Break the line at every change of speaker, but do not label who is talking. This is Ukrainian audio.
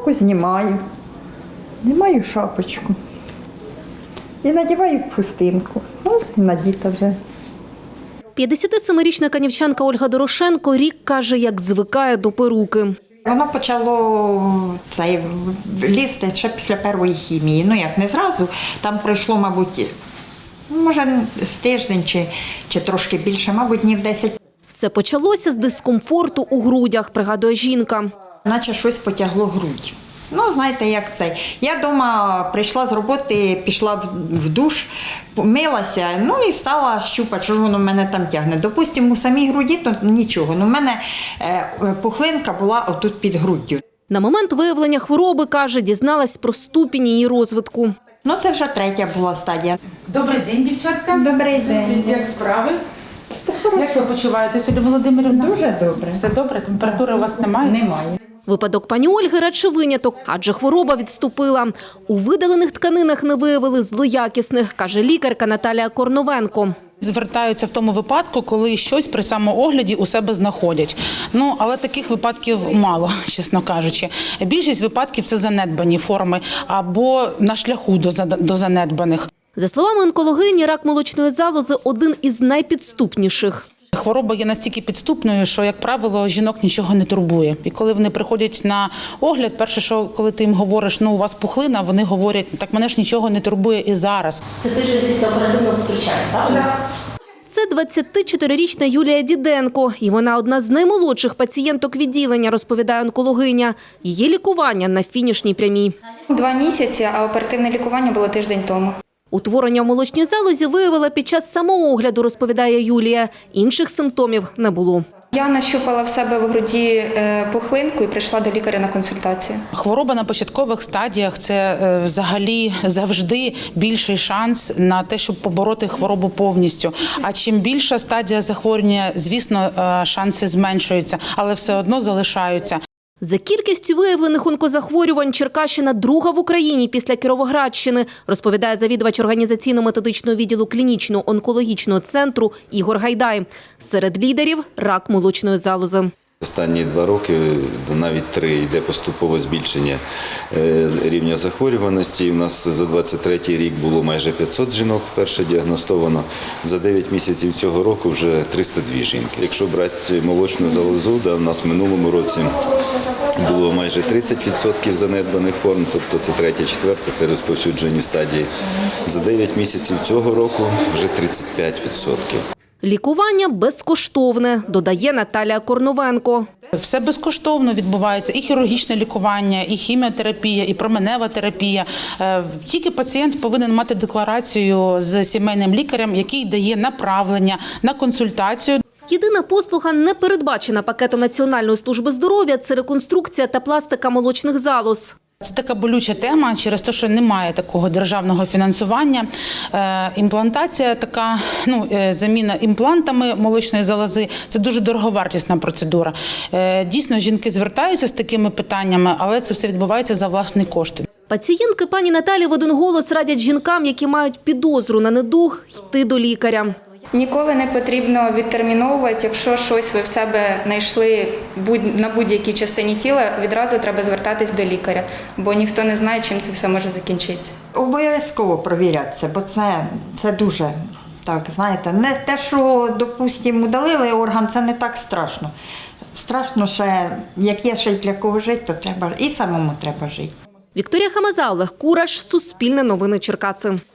Шапку знімаю, знімаю шапочку і надіваю хустинку. Ось і надіта вже.
57-річна канівчанка Ольга Дорошенко рік каже, як звикає до перуки.
Воно почало лізти ще після першої хімії. Ну як не зразу, там пройшло, мабуть, може з тиждень чи трошки більше, мабуть, днів 10.
Все почалося з дискомфорту у грудях, пригадує жінка.
Наче щось потягло грудь. Ну, знаєте, як це. Я вдома прийшла з роботи, пішла в душ, милася, ну і стала щупати, що ж воно в мене там тягне. Допустимо, у самій груді то нічого, але в мене пухлинка була отут під груддю.
На момент виявлення хвороби, каже, дізналась про ступінь її розвитку.
Ну, це вже третя була стадія.
Добрий день, дівчатка.
Добрий день.
Як справи? Як ви почуваєтеся, Оля Володимирівна?
Дуже добре.
Все добре? Температури у вас немає?
Немає.
Випадок пані Ольги радше виняток, адже хвороба відступила. У видалених тканинах не виявили злоякісних, каже лікарка Наталія Корновенко.
Звертаються в тому випадку, коли щось при самоогляді у себе знаходять. Ну, але таких випадків мало, чесно кажучи. Більшість випадків – це занедбані форми або на шляху до занедбаних.
За словами онкологині, рак молочної залози – один із найпідступніших.
Хвороба є настільки підступною, що, як правило, жінок нічого не турбує. І коли вони приходять на огляд, перше, що коли ти їм говориш, ну у вас пухлина, вони говорять, так мене ж нічого не турбує і зараз.
Це тиждень після оперативного втручання, правда? Це 24-річна Юлія Діденко. І вона одна з наймолодших пацієнток відділення, розповідає онкологиня. Її лікування на фінішній прямій.
2 місяці, а оперативне лікування було тиждень тому.
Утворення в молочній залозі виявила під час самоогляду, розповідає Юлія. Інших симптомів не було.
Я нащупала в себе в груді пухлинку і прийшла до лікаря на консультацію.
Хвороба на початкових стадіях – це взагалі завжди більший шанс на те, щоб побороти хворобу повністю. А чим більша стадія захворювання, звісно, шанси зменшуються, але все одно залишаються.
За кількістю виявлених онкозахворювань Черкащина друга в Україні після Кіровоградщини, розповідає завідувач організаційно-методичного відділу клінічного онкологічного центру Ігор Гайдай. Серед лідерів – рак молочної залози.
Останні 2 роки, навіть 3, йде поступове збільшення рівня захворюваності. У нас за 23-й рік було майже 500 жінок вперше діагностовано. За 9 місяців цього року вже 302 жінки. Якщо брати молочну залозу, у нас в минулому році було майже 30% занедбаних форм, тобто це 3-4, це розповсюджені стадії. За 9 місяців цього року вже 35%.
Лікування безкоштовне, додає Наталія Корновенко.
Все безкоштовно відбувається, і хірургічне лікування, і хіміотерапія, і променева терапія. Тільки пацієнт повинен мати декларацію з сімейним лікарем, який дає направлення на консультацію.
Єдина послуга, не передбачена пакетом Національної служби здоров'я – це реконструкція та пластика молочних залоз.
Це така болюча тема через те, що немає такого державного фінансування. Імплантація така, заміна імплантами молочної залози – це дуже дороговартісна процедура. Дійсно, жінки звертаються з такими питаннями, але це все відбувається за власні кошти.
Пацієнтки пані Наталі в один голос радять жінкам, які мають підозру на недуг, йти до лікаря.
Ніколи не потрібно відтерміновувати, якщо щось ви в себе знайшли на будь-якій частині тіла, відразу треба звертатись до лікаря, бо ніхто не знає, чим це все може закінчитися.
Обов'язково провірятися, бо це дуже, так, знаєте, не те, що, допустимо, удалили орган, це не так страшно. Страшно ще, як є ще й для кого жити, то треба, і самому треба жити.
Вікторія Хамаза, Олег Кураш, Суспільне новини Черкаси.